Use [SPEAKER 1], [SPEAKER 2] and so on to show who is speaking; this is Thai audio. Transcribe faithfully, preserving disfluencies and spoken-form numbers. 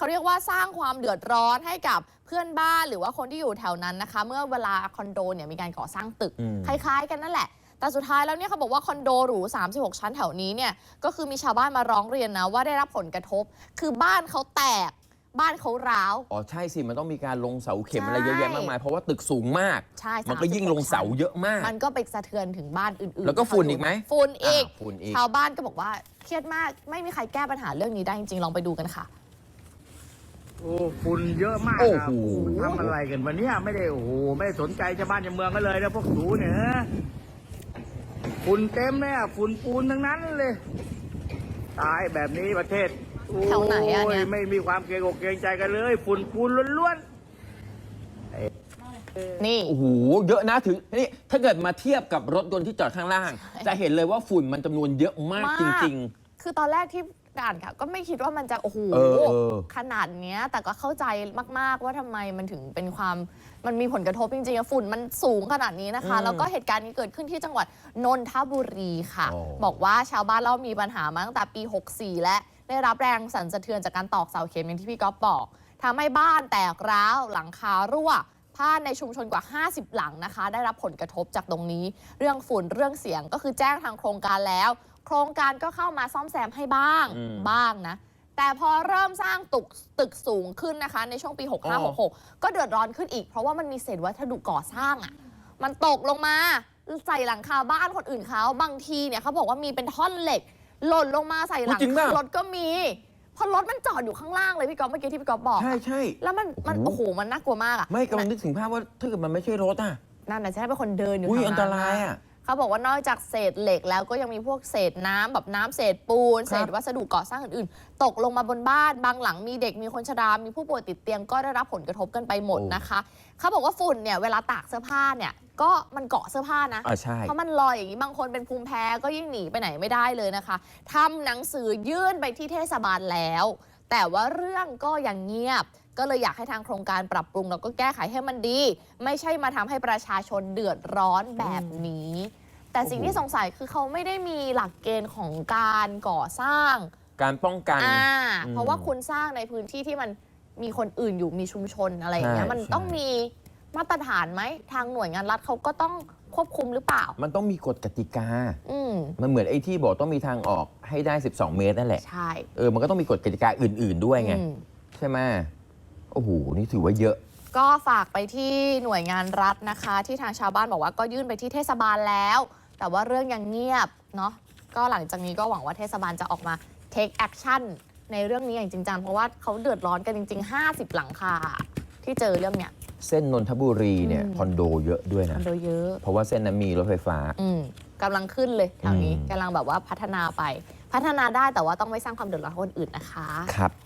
[SPEAKER 1] เขาเรียกว่าสร้างความเดือดร้อนให้กับเพื่อนบ้านหรือว่าคนที่อยู่แถวนั้นนะคะเมื่อเวลาคอนโดเนี่ยมีการก่อสร้างตึกคล้ายๆกันนั่นแหละแต่สุดท้ายแล้วเนี่ยเขาบอกว่าคอนโดหรูสามสิบหกชั้นแถวนี้เนี่ยก็คือมีชาวบ้านมาร้องเรียนนะว่าได้รับผลกระทบคือบ้านเขาแตกบ้านเขาร้าว
[SPEAKER 2] อ๋อใช่สิมันต้องมีการลงเสาเข็มอะไรเยอะแยะมากมายเพราะว่าตึกสูงมากใช่มันก็ยิ่งลงเสาเยอะมาก
[SPEAKER 1] มันก็ไปสะเทือนถึงบ้านอื่นๆ
[SPEAKER 2] แล้วก็ฝุ่นอีกไหม
[SPEAKER 1] ฝุ่นอีกชาวบ้านก็บอกว่าเครียดมากไม่มีใครแก้ปัญหาเรื่องนี้ได้จริงๆลองไปดูกันค่ะ
[SPEAKER 3] โอ้ฝุ่นเยอะมากครับทำอะไรกันวันนี้ไม่ได้โอ้โหไม่สนใจชาวบ้านชาวเมืองกันเลยนะพวกหนูเนี่ยฝุ่นเต็มเลยอ่ะฝุ่นปูนทั้งนั้นเลยตายแบบนี้ประเทศ
[SPEAKER 1] แถวไหนอ่ะเนี่ย
[SPEAKER 3] ไม่มีความเกรงอกเกรงใจกันเลยฝุ่นปูนล้วน
[SPEAKER 1] ๆนี่
[SPEAKER 2] โอ้โหเยอะนะถึงนี่ถ้าเกิดมาเทียบกับรถยนต์ที่จอดข้างล่างจะเห็นเลยว่าฝุ่นมันจำนวนเยอะมากจริง
[SPEAKER 1] ๆคือตอนแรกที่อ่านค่ะก็ไม่คิดว่ามันจะโอ้โหขนาดเนี้ยแต่ก็เข้าใจมากๆว่าทำไมมันถึงเป็นความมันมีผลกระทบจริงๆฝุ่นมันสูงขนาดนี้นะคะแล้วก็เหตุการณ์นี้เกิดขึ้นที่จังหวัดนนทบุรีค่ะบอกว่าชาวบ้านเล่ามีปัญหามาตั้งแต่ปีหกสี่และได้รับแรงสั่นสะเทือนจากการตอกเสาเข็มอย่างที่พี่ก๊อฟบอกทำให้บ้านแตกร้าวหลังคารั่วบ้านในชุมชนกว่าห้าสิบหลังนะคะได้รับผลกระทบจากตรงนี้เรื่องฝุ่นเรื่องเสียงก็คือแจ้งทางโครงการแล้วโครงการก็เข้ามาซ่อมแซมให้บ้างบ้างนะแต่พอเริ่มสร้างตึกตึกสูงขึ้นนะคะในช่วงปี หกห้า หกหก ก็เดือดร้อนขึ้นอีกเพราะว่ามันมีเศษวัสดุก่อสร้างอ่ะมันตกลงมาใส่หลังคาบ้านคนอื่นเขาบางทีเนี่ยเขาบอกว่ามีเป็นท่อนเหล็กหล่นลงมาใส่หลังคารถก็มีพอรถมันจอดอยู่ข้างล่างเลยพี่ก๊อฟเมื่อกี้ที่พี่ก๊อฟบอก
[SPEAKER 2] ใช่ใช่
[SPEAKER 1] แล้วมันมันโอ้โหมันน่ากลัวมากอ่ะ
[SPEAKER 2] ไม่กำลังนึกถึงภาพว่าถ้าเกิดมันไม่ใช่รถอ่ะ
[SPEAKER 1] นั่นน่ะใช่เป็นคนเดินอยู่
[SPEAKER 2] อุ้ยอันตรายอ่ะ
[SPEAKER 1] เขาบอกว่านอกจากเศษเหล็กแล้วก็ยังมีพวกเศษน้ำแบบน้ำเศษปูนเศษวัสดุก่อสร้างอื่นๆตกลงมาบนบ้านบางหลังมีเด็กมีคนชรามีผู้ป่วยติดเตียงก็ได้รับผลกระทบกันไปหมดนะคะเขาบอกว่าฝุ่นเนี่ยเวลาตากเสื้อผ้าเนี่ยก็มันเกาะเสื้อผ้านะเพราะมันลอยอย่างนี้บางคนเป็นภูมิแพ้ก็ยิ่งหนีไปไหนไม่ได้เลยนะคะทำหนังสือยื่นไปที่เทศบาลแล้วแต่ว่าเรื่องก็ยังเงียบก็เลยอยากให้ทางโครงการปรับปรุงแล้วก็แก้ไขให้มันดีไม่ใช่มาทำให้ประชาชนเดือดร้อนแบบนี้แต่สิ่งที่สงสัยคือเขาไม่ได้มีหลักเกณฑ์ของการก่อสร้าง
[SPEAKER 2] การป้องกัน
[SPEAKER 1] อ่าเพราะว่าคุณสร้างในพื้นที่ที่มันมีคนอื่นอยู่มีชุมชนอะไรอย่างเงี้ยมันต้องมีมาตรฐานไหมทางหน่วยงานรัฐเขาก็ต้องควบคุมหรือเปล่า
[SPEAKER 2] มันต้องมีกฎกติกา
[SPEAKER 1] อืม
[SPEAKER 2] มันเหมือนไอ้ที่บอกต้องมีทางออกให้ได้สิบสองเมตรนั่นแหละ
[SPEAKER 1] ใช่
[SPEAKER 2] เออมันก็ต้องมีกฎกติกาอื่นๆด้วยไงใช่ไหมโอ้โหนี่ถือว่าเยอะ
[SPEAKER 1] ก็ฝากไปที่หน่วยงานรัฐนะคะที่ทางชาวบ้านบอกว่าก็ยื่นไปที่เทศบาลแล้วแต่ว่าเรื่องยังเงียบเนาะก็หลังจากนี้ก็หวังว่าเทศบาลจะออกมา take action ในเรื่องนี้อย่างจริงจังเพราะว่าเขาเดือดร้อนกันจริงๆห้าสิบหลังคาที่เจอเรื่องเนี้ย
[SPEAKER 2] เส้นนนทบุรีเนี่ยคอนโดเยอะด้วยนะ
[SPEAKER 1] คอนโดเยอะ
[SPEAKER 2] เพราะว่าเส้นนั้นมีรถไฟฟ้า
[SPEAKER 1] อืมกำลังขึ้นเลยแถวนี้กำลังแบบว่าพัฒนาไปพัฒนาได้แต่ว่าต้องไม่สร้างความเดือดร้อนให้คนอื่นนะคะ
[SPEAKER 2] ครับ